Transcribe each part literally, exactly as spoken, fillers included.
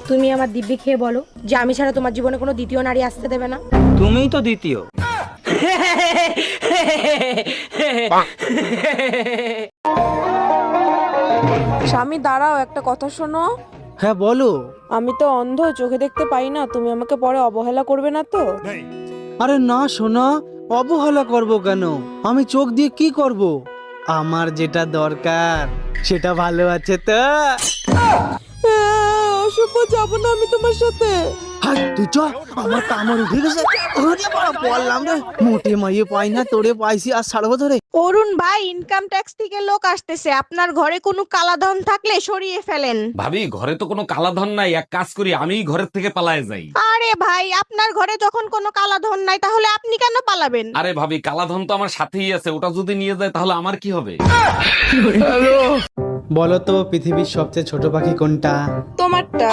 তুমি আমার দিব্যি খেয়ে বলো যে আমি ছাড়া তোমার জীবনে কোনো দ্বিতীয় নারী আসতে দেবে না। তুমিই তো দ্বিতীয়। স্বামী দাঁড়াও, একটা কথা শোনো। হ্যাঁ বলো। আমি তো অন্ধ, চোখে দেখতে পাই না, তুমি আমাকে পরে অবহেলা করবে না তো? আরে না সোনা, অবহেলা করব কেন? আমি চোখ দিয়ে কি করব? আমার যেটা দরকার সেটা ভালো আছে তো। অশুভ, যাবো না আমি তোমার সাথে। হাই তুই চ, আমার কামড় উঠে গেছে। ওরে বাবা, বললাম রে, মোটে মাইয়ে পাই না, তোরে পাইছি আর ছাড়বো ধরে। অরুণ ভাই, ইনকাম ট্যাক্স থেকে লোক আসতেছে, আপনার ঘরে কোনো কালাধন থাকলে সরিয়ে ফেলেন। ভাবি, ঘরে তো কোনো কালাধন নাই, এক কাজ করি, আমিই ঘরের থেকে পালায়ে যাই। আরে ভাই, আপনার ঘরে যখন কোনো কালাধন নাই তাহলে আপনি কেন পালাবেন? আরে ভাবি, কালাধন তো আমার সাথেই আছে, ওটা যদি নিয়ে যায় তাহলে আমার কি হবে? বলো তো পৃথিবীর সবচেয়ে ছোট পাখি কোনটা? তোমারটা।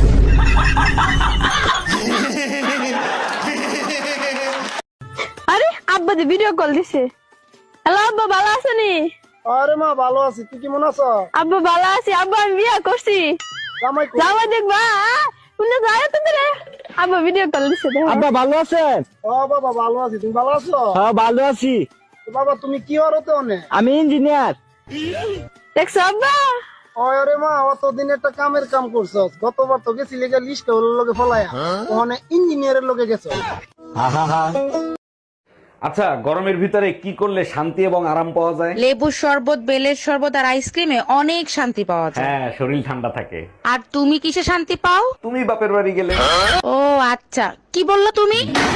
আরে আব্বা দি ভিডিও কল দিছে। হ্যালো আব্বা, ভালো আছেনি? আরে মা, ভালো আছি। তুই কেমন আছো? আব্বা ভালো আছি। আব্বা আমি বিয়ে করছি। জামাই কই? জামাই দেখবা শুনে যায় তো রে। আব্বা ভিডিও কল দিছে। আব্বা ভালো আছেন? ও বাবা ভালো আছি। তুমি ভালো আছো? হ্যাঁ ভালো আছি। তো বাবা তুমি কি হরতে অনে? আমি ইঞ্জিনিয়ার। দেখছো আব্বা? ওরে মা, অতদিন একটা কামের কাম করছস। গতবার তো গেছিলি গা লিস্ট হল লগে ফলায়া, ওখানে ইঞ্জিনিয়ারের লগে গেছো। আচ্ছা, গরমের ভিতরে কি করলে শান্তি এবং আরাম পাওয়া যায়? লেবুর শরবত, বেলের শরবত আর আইসক্রিমে অনেক শান্তি পাওয়া যায়। হ্যাঁ, শরীর ঠান্ডা থাকে। আর তুমি কিসে শান্তি পাও? তুমি বাপের বাড়ি গেলে। ও আচ্ছা, কি বললো তুমি?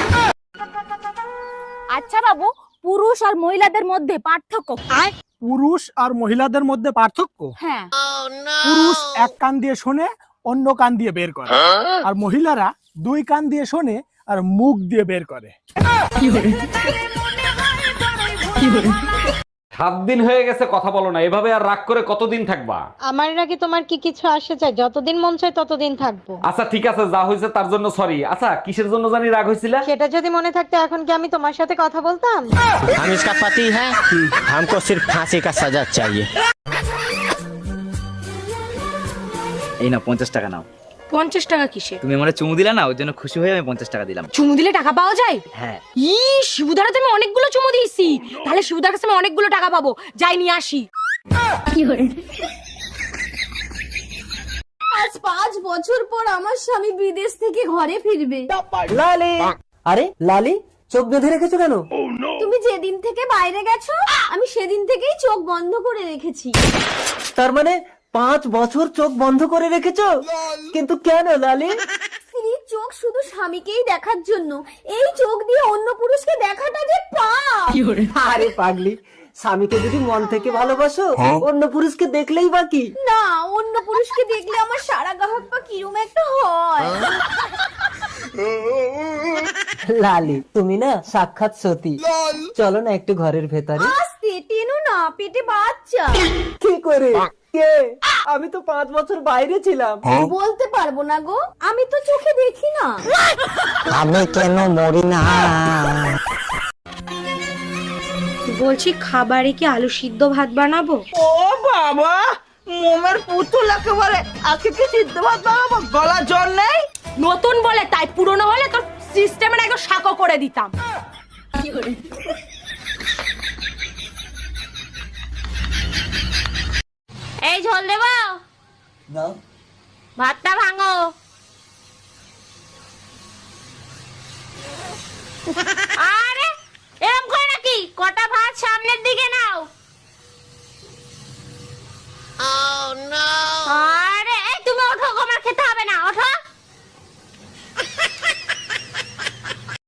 আচ্ছা বাবু, পুরুষ আর মহিলাদের মধ্যে পার্থক্য কি? পুরুষ আর মহিলাদের মধ্যে পার্থক্য? হ্যাঁ। পুরুষ এক কান দিয়ে শোনে, অন্য কান দিয়ে বের করে, আর মহিলারা দুই কান দিয়ে শোনে আর মুখ দিয়ে বের করে। সাত দিন হয়ে গেছে কথা বলো না, এভাবে আর রাগ করে কতদিন থাকবা? আমার নাকি তোমার কি কিছু আসে চাই? যতদিন মন চায় ততদিন থাকবো। আচ্ছা ঠিক আছে, যা হয়েছে তার জন্য সরি। আচ্ছা, কিসের জন্য জানি রাগ হয়েছিল? সেটা যদি মনে থাকতো এখন কি আমি তোমার সাথে কথা বলতাম? हम इसका पति है, हमको सिर्फ फांसी का सजा चाहिए। এই নাও পঞ্চাশ টাকা নাও। পঞ্চাশ টাকা কিসে? তুমি আমার চুমু দিলা না, ওর জন্য খুশি হয়ে আমি পঞ্চাশ টাকা দিলাম। চুমু দিলে টাকা পাওয়া যায়? হ্যাঁ। ই শিবুদার তো আমি অনেকগুলো চুমু দিয়েছি, তাহলে শিবুদার কাছে আমি অনেকগুলো টাকা পাবো। যাই নিয়ে আসি। আজ পাঁচ বছর পর আমার স্বামী বিদেশ থেকে ঘরে ফিরবে। লালি, আরে লালি, চোখ বেঁধে রেখেছো কেন? তুমি যেদিন থেকে বাইরে গেছো আমি সেদিন থেকেই চোখ বন্ধ করে রেখেছি। তার মানে পাঁচ বছর চোখ বন্ধ করে রেখেছো? কিন্তু কেন লালি? স্ত্রীর চোখ শুধু স্বামীকেই দেখার জন্য, এই চোখ দিয়ে অন্য পুরুষকে দেখাটা যে পাপ। আরে পাগলি, স্বামীকে যদি মন থেকে ভালোবাসো, অন্য পুরুষকে দেখলেই বাকি। না, অন্য পুরুষকে দেখলে আমার সারা গাহক পা কিরম একটা হয়। লালি, তুমি না সাক্ষাৎ সতী। চলো না একটু ঘরের ভেতরে। আস্তে টেনো না, পেটে বাচ্চা। কি করে? কে? আমি তো পাঁচ বছর বাইরে ছিলাম। বলতে পারবো না গো, আমি তো চোখে দেখি না। আমি কেন মরি না? বলছি খাবারে কি আলু সিদ্ধ ভাত বানাবো? ও বাবা, মোমের পুতুল একেবারে। আজকে কি সিদ্ধ ভাত বানাবো? গলা জ্বর নেই? নতুন বলে তাই, পুরনো হলে তোর সিস্টেমের একদম শাকো করে দিতাম। এই ঝোল দেবো? ভাতটা ভাঙো।